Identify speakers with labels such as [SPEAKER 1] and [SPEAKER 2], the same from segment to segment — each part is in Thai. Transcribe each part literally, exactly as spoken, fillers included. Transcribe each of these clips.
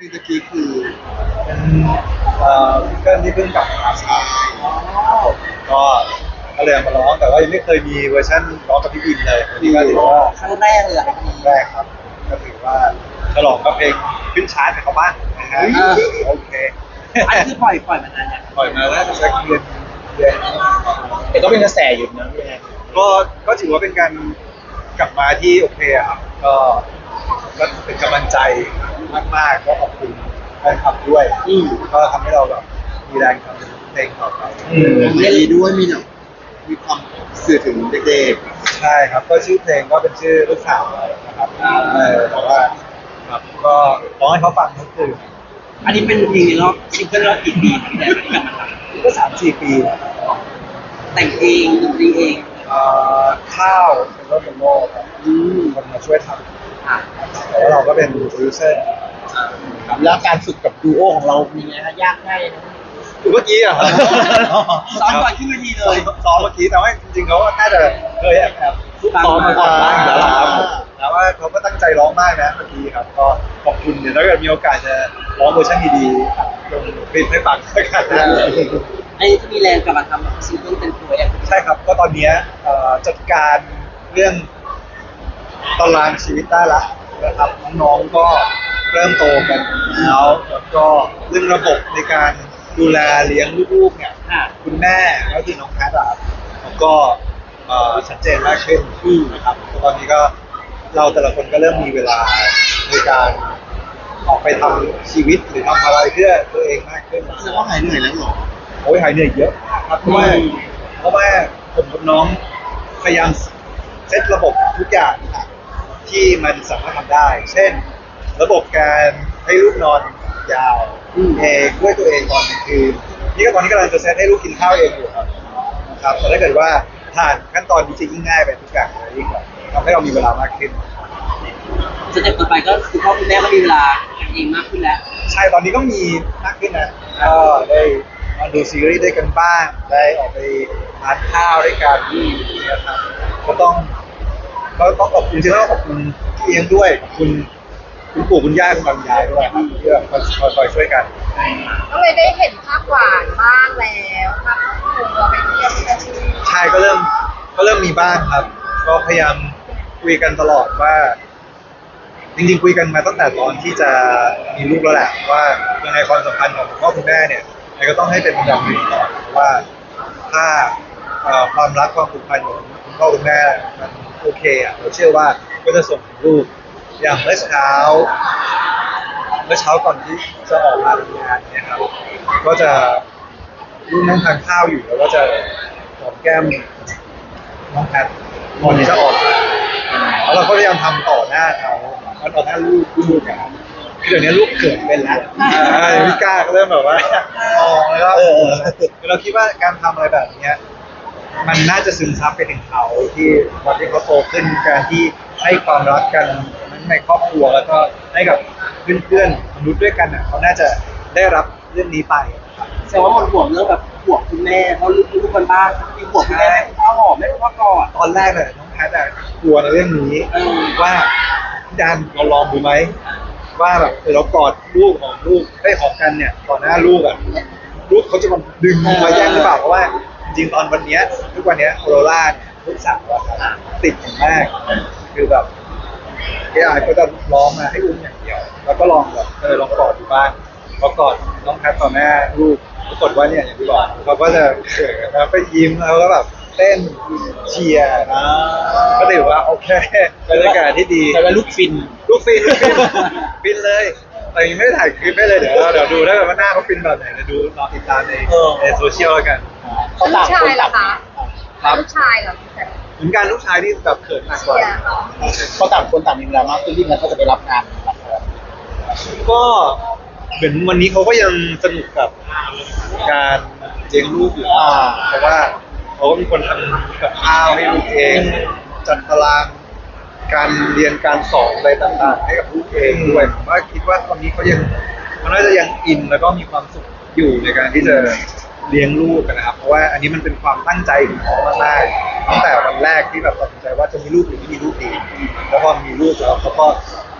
[SPEAKER 1] เพลงตะกี้คือ
[SPEAKER 2] เป็นเอ่อซิงเกิลที่เพิ่งกลับมาครับก็ก็เลยเอามาร้องแต่ว่ายังไม่เคยมีเวอร์ชันร้องกับพี่บินเลยอันนี้ก็ถือว่า
[SPEAKER 3] ครั้งแรกเลยอ่ะ
[SPEAKER 2] ครั้งแรกครับก็ถือว่าฉลองกับเพลงขึ้นชาร์ตให้เขาบ้างนะฮะโอเค
[SPEAKER 3] อันนี้คือปล่อยปล่อยมานานเนี่ย
[SPEAKER 2] ปล่อยมาแล้วสักเดือนเดือน
[SPEAKER 4] แต่ก็เป็นกระแสอยู่นะพี่แอน
[SPEAKER 2] ก็ก็ถือว่าเป็นการกลับมาที่โอเคอะครับก็ก็เป็นกำลังใจมากๆก็ขอบคุณแฟนคลับด้วยก็ทำให้เราแบบมีแรงทำเพลงต่อไป
[SPEAKER 1] มีดีด้วยมีเนาะมีความสื่อถึงเด็ก
[SPEAKER 2] ใช่ครับก็ชื่อเพลงก็เป็นชื่อลูกสาวนะครับเออแต่ว่าครับก็ร้องให้เขาฟังทุกคืน
[SPEAKER 3] อันนี้เป็นเพลงในรอบซิงเกิลรอบกี่ปีที่แต่ที่กลับมาท
[SPEAKER 2] ก็สามสี่ปีนะ
[SPEAKER 3] ำแต่งเองดนตรีเอง
[SPEAKER 2] เอ่อข้าวเป็นรถเป็นโม่ครับคนมาช่วยท
[SPEAKER 3] อ่ะ
[SPEAKER 2] ำแต่ว่าเราก็เป็นโปรดิวเซอร์
[SPEAKER 4] ครับแล้วการฝึกกับดูโอของเรามีไงฮะยากง่ายนะ
[SPEAKER 2] คือเมื่อกี้อะครับ
[SPEAKER 3] ซ้อมก่อนขึ้นเวทีเลย
[SPEAKER 2] ซ้อมเมื่อกี้แต่ว่าจริงๆเขาก็น่าจะเคยแอบแอบซุกซ้อมมาก่อนบ้างอยู่แล้วล่ะครับผมแต่ว่าเขาก็ตั้งใจร้องมากนะเมื่อกี้ครับก็ขอบคุณเดี๋ยวถ้าเกิดมีโอกาสจะร้องเวอร์ชันดีๆลงคลิปให้ฟังด้วยกันนะ
[SPEAKER 3] อันนี้จะมีแรงกลับมาทำซิงเกิลเต็มตัวอย่าง
[SPEAKER 2] ใช่ครับก็ตอนเนี้ยเอ่อจัดการเรื่องตารางชีวิตได้ละนะครับน้องๆก็เริ่มโตกันแล้วแล้วก็เรื่องระบบในการดูแลเลี้ยงลูกๆเนี่ย
[SPEAKER 3] อ่ะ
[SPEAKER 2] คุณแม่ก็คือน้องแพทย์อะครับแล้วก็เอ่อชัดเจนมากขึ้นนะครับตอนนี้ก็เราแต่ละคนก็เริ่มมีเวลาในการออกไปทำชีวิตหรือทำอะไรเพื่อตัวเองมากขึ้น
[SPEAKER 1] ๆแสดงว่าหายเหนื่อยแล้วเหรอ
[SPEAKER 2] โอ้ยหายเหนื่อยเยอะครับเพราะว่าเพราะว่าผมกับน้องพยายามเซตระบบทุกอย่างที่มันสามารถทำได้ เช่น ระบบการให้ลูกนอนยาวเองด้วยตัวเองตอนกลางคืนนี่ก็ตอนนี้กำลังจะเซตให้ลูกกินข้าวเองอยู่ครับนะครับแต่ถ้าเกิดว่าผ่านขั้นตอนนี้จะยิ่งง่ายไปทุกอย่างเลยยิ่งแบบทำให้เรามีเวลามากขึ้น
[SPEAKER 3] สเต็ปต่อไปก็คือพ่อคุณแม่ก็มีเวลากันเองมากขึ้นแล้ว
[SPEAKER 2] ใช่ตอนนี้ก็มีมากขึ้นนะก็ได้มาดูซีรีส์ด้วยกันบ้าง ได้ออกไปทานข้าวด้วยกันนะครับก็ต้องก็ต้องขอบคุณจริงๆแล้วก็ขอบคุณพี่เอียงด้วยขอบคุณคุณปู่คุณย่าคุณตาคุณยายด้วยครับที่แบบคอยคอยคอยช่วยกัน
[SPEAKER 5] ก็เลยได้เห็นภาพหวานบ้างแล้วภาพคู่เราไปเที่ยวที่นั่น
[SPEAKER 2] ใช่ก็เริ่มก็เริ่มมีบ้างครับ ก็พยายามคุยกันตลอดว่า จริงๆคุยกันมาตั้งแต่ตอนที่จะมีลูกแล้วแหละว่ายังไงความสัมพันธ์ของคุณพ่อคุณแม่เนี่ยยังไงก็ต้องให้เป็นอันดับหนึ่งก่อนเพราะว่าถ้าเอ่อความรักความผูกพันของคุณพ่อคุณแม่มันโอเคอ่ะเราเชื่อว่าก็จะส่งถึงลูกอย่างเมื่อเช้า เมื่อเช้าก่อนที่จะออกมาทำงานเนี่ยครับก็จะลูกนั่งทานข้าวอยู่แล้วก็จะหอมแก้มน้องแพทก่อนที่จะออกมาแล้วเราก็พยายามทำต่อหน้าเขาแล้วต่อหน้าลูกลูกอะครับคือเดี๋ยวนี้ลูกเขินเป็นแล้วอ่าพี่ก้าก็เริ่มแบบว่ามองแล้วก็เออคือเราคิดว่าการทำอะไรแบบเนี้ยมันน่าจะซึมซับไปถึงเขาที่วันที่เขาโตขึ้นการที่ให้ความรักกันทั้งในครอบครัวแล้วก็ให้กับเพื่อนๆมนุษย์ด้วยกันอ่ะเขาน่าจะได้รับเรื่องนี้ไปนะครับ
[SPEAKER 3] แสดงว่าหมดห่วงเรื่องแบบห่วงคุณแม่เพราะลูกลูกคนบ้านมีห่วงคุณแม่ให้คุณพ่อหอมไม่คุณพ่อกอด
[SPEAKER 2] ตอนแรกเนี่ยน้องแพทย์อะกลัวในเรื่องนี้
[SPEAKER 3] เออ
[SPEAKER 2] ว่าพี่ดันเราลองดูไหมว่าแบบเออเรากอดลูกของลูกได้หอมกันเนี่ยต่อหน้าลูกอ่ะลูกเขาจะมาดึงมาแย่งหรือเปล่าเพราะว่าจริงๆตอนวันเนี้ยทุกวันเนี้ยโอโรล่าเนี่ยลูกสาวอะครับติดอย่างมากคือแบบเอไอก็จะร้องมาให้อุ้มอย่างเดียว แล้วก็ลองแบบเออลองกอดดูบ้างพอกอดน้องแพทย์ต่อหน้าลูกปรากฏว่าเนี่ยอย่างที่บอกเขาก็จะเขินแล้วก็ยิ้มแล้วก็แบบเต้นเชียร์ก็ถือว่าโอเคบรรยากาศที่ดี
[SPEAKER 4] แต่ว่าลูกฟิน
[SPEAKER 2] ลูกฟินลูกฟินฟินเลยแต่ยังไม่ได้ถ่ายคลิปไม่เลยเดี๋ยวเราเดี๋ยวดูถ้าเกิดว่าหน้าเขาฟินแบบไหนเดี๋ยวดูรอติดตามใน
[SPEAKER 4] เออ
[SPEAKER 2] ในโซเชียลแล้วกัน
[SPEAKER 4] เขา
[SPEAKER 5] ลู
[SPEAKER 4] ต่าก ง
[SPEAKER 5] ชา
[SPEAKER 4] คน
[SPEAKER 5] ยเหร
[SPEAKER 4] ต่า
[SPEAKER 5] อง คะลูกชายเหรอแต่
[SPEAKER 2] เหมือนกันลูกชายนี่แบบเขินหนักก
[SPEAKER 5] เชี
[SPEAKER 2] ว่าย
[SPEAKER 5] ร์เหรอ
[SPEAKER 4] เขาต่างคนต่างมีเวลามากขึ้นที่มันเขาจะไปรับงานละคร
[SPEAKER 2] ก็เหมือนวันนี้เขาก็ยังสนุกกับการเลี้ยงลูกอยู่
[SPEAKER 4] อ่า
[SPEAKER 2] เพราะว่าเขาก็มีคนทำกับข้าวให้ลูกเองจัดตารางการเรียนการสอนอะไรต่างๆ ให้กับลูกเองด้วยผมว่าคิดว่าตอนนี้เขายังเขาน่าจะยังอินแล้วก็มีความสุขอยู่ในการที่จะเลี้ยงลูกกันนะครับ เพราะว่าอันนี้มันเป็นความตั้งใจของเขามากๆตั้งแต่วันแรกที่แบบตัดสินใจว่าจะมีลูกหรือไม่มีลูกดีแล้วพอมีลูกแล้วเขาก็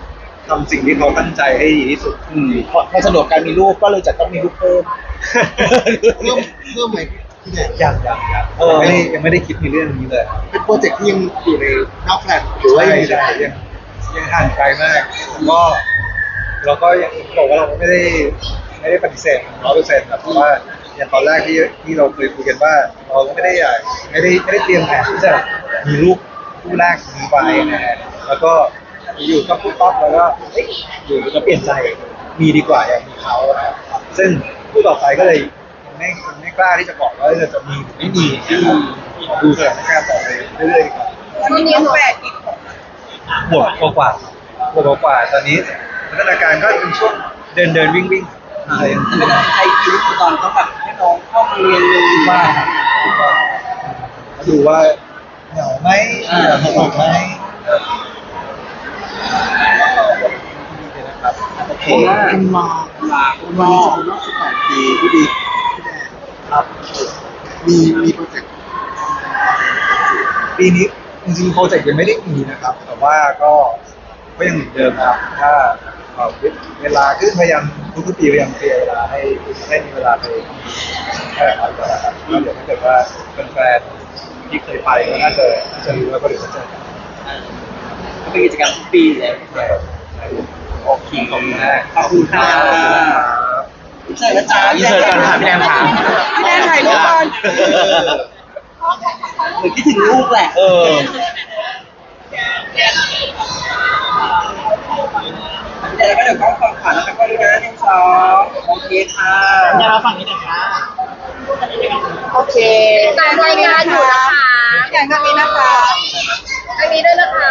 [SPEAKER 2] ทำสิ่งที่เขาตั้งใจให้ดีที่สุด
[SPEAKER 4] อืมพอพอสะดวกการมีลูกก็เลยจะต้องมีลูกเพิ่ม
[SPEAKER 1] เพิ่มเพิ่มไหมพี่แดน
[SPEAKER 2] ยังยังยัง
[SPEAKER 4] เออ
[SPEAKER 2] ไม่ได้ยังไม่ได้คิดในเรื่องนี้เลย
[SPEAKER 1] เป็นโปรเจกต์ที่ยังอยู่ในนอกแฟลตหรือว่า
[SPEAKER 2] ใช่
[SPEAKER 1] ยังอยู่
[SPEAKER 2] ใช่
[SPEAKER 1] ใน
[SPEAKER 2] ยังยังห่างไกลมากก็เราก็ยังบอกว่าเราก็ไม่ได้ไม่ได้ปฏิเสธร้อยเปอร์เซ็นต์เพราะว่าอย่างตอนแรกที่ที่เราเคยคุยกันว่า เราก็ไม่ได้อยากไม่ได้ไม่ได้เตรียมแผนที่จะมีลูกคู่แรกมีไปนะฮะแล้วก็อยู่ก็พูดต๊อกแล้วก็เอ๊ะอยู่จะเปลี่ยนใจมีดีกว่าอยากมีเขานะครับซึ่งคู่ต่อไปก็เลยยังไม่ยังไม่กล้าที่จะบอกว่าจะจะมีหรือไม่มีนะครับดูสถานการณ์ต่อไปเรื่อยๆดีกว่า
[SPEAKER 5] ตอนนี้แปดอีก
[SPEAKER 2] บวกกว่ากว่าบวกกว่าตอนนี้พัฒนาการก็เป็นช่วงเดินเดินวิ่งวิ่งอะไรอย่างเงี้ย
[SPEAKER 3] ไม่ได้ใครคิดตอนต้องแบบให้น้องเข้ามาเรียนเลย
[SPEAKER 2] ว่าดูว่าเหงาไหมสนุกไหม
[SPEAKER 3] โอเค
[SPEAKER 1] คุณวา
[SPEAKER 3] ลา
[SPEAKER 1] คุณวาสองรอบสิบแปดปีพี่ดีพี่แดน
[SPEAKER 2] ครับ
[SPEAKER 1] มีมีโปรเจกต์
[SPEAKER 2] ปีนี้จริงๆโปรเจกต์ยังไม่ได้มีนะครับ แต่ว่าก็ก็ยังเหมือนเดิมครับถ้าเอ่อเวลาขึ้นพยายามทุกๆปีพยายามเคลียร์เวลาให้ให้มีเวลาไปแค่ไหนก่อนนะครับก็เดี๋ยวถ้าเกิดว่าเป็นแฟนๆที่เคยไปก็น่าจะน่าจะรู้แล้วก็เดี๋ยวจะเจอกัน
[SPEAKER 3] เป็นกิจกรรมทุกปีเลย
[SPEAKER 2] โอเคขอบคุณมาก
[SPEAKER 3] ขอบคุณค่ะใช่แล้วจ้า
[SPEAKER 4] อินเสิร์ตก่อนค่ะพี่แดนถาม
[SPEAKER 3] พี่แดนถ่ายรูปก่อนเหมือนคิดถึงลูกแหละ
[SPEAKER 4] เออ
[SPEAKER 3] เดี๋ยวเราก็เดี๋ยวกล้องฝั่งขวาแล้วก็ดูนะหนึ่งสองโอเคค่ะ
[SPEAKER 4] ยาฝั่งนี้นะคะ
[SPEAKER 5] โอเคตามรายงานอยู่นะคะอย่างตรงนี้นะคะอันนี้ด้วยนะคะ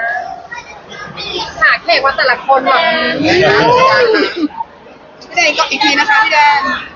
[SPEAKER 5] หาแขกว่าแต่ละคนแบบพี่แดนก็อีกทีนะคะพี่แดน